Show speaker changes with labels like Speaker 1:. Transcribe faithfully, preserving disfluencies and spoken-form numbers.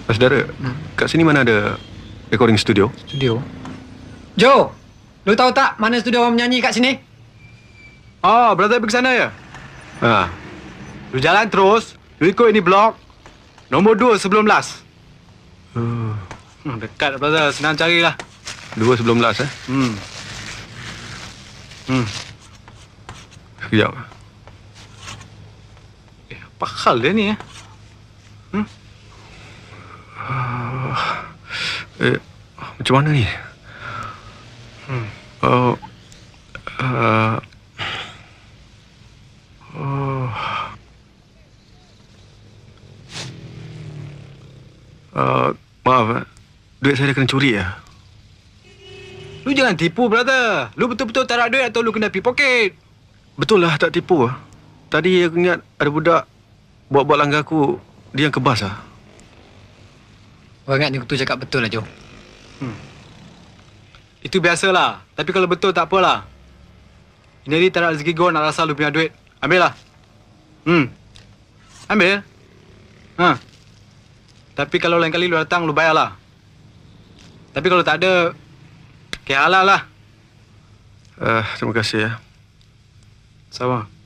Speaker 1: Saudara, hmm. kat sini mana ada recording studio?
Speaker 2: Studio? Jo! Lu tahu tak mana studio orang menyanyi kat sini?
Speaker 3: Oh, brother pergi sana ya?
Speaker 1: Ha.
Speaker 3: Lu jalan terus, lu ikut ini blok. Nombor dua sebelum last.
Speaker 1: Uh.
Speaker 3: Hmm, dekat brother, senang carilah.
Speaker 1: Dua sebelum last eh?
Speaker 3: Hmm. Hmm.
Speaker 1: Sekejap.
Speaker 3: Eh, apa hal dia ni eh? Hmm?
Speaker 1: Uh, eh, macam mana ni?
Speaker 3: Hmm.
Speaker 1: Oh. Uh, oh. Uh, maaf, eh. Duit saya dah kena curi ya.
Speaker 3: Lu jangan tipu, brother. Lu betul-betul tak ada duit atau lu kena pickpocket?
Speaker 1: Betul lah, tak tipu. Tadi aku ingat ada budak buat-buat langgar aku, dia yang kebas lah.
Speaker 2: Orang ingat ni tu cakap betul lah, Jo.
Speaker 3: Hmm. Itu biasalah. Tapi kalau betul tak apalah. Ini ni tak ada rezeki gua nak rasa lu punya duit. Ambil lah. Hmm. Ambil. Ha. Tapi kalau lain kali lu datang, lu bayarlah. Tapi kalau tak ada, kaya halal lah.
Speaker 1: Uh, terima kasih ya.
Speaker 3: Sama.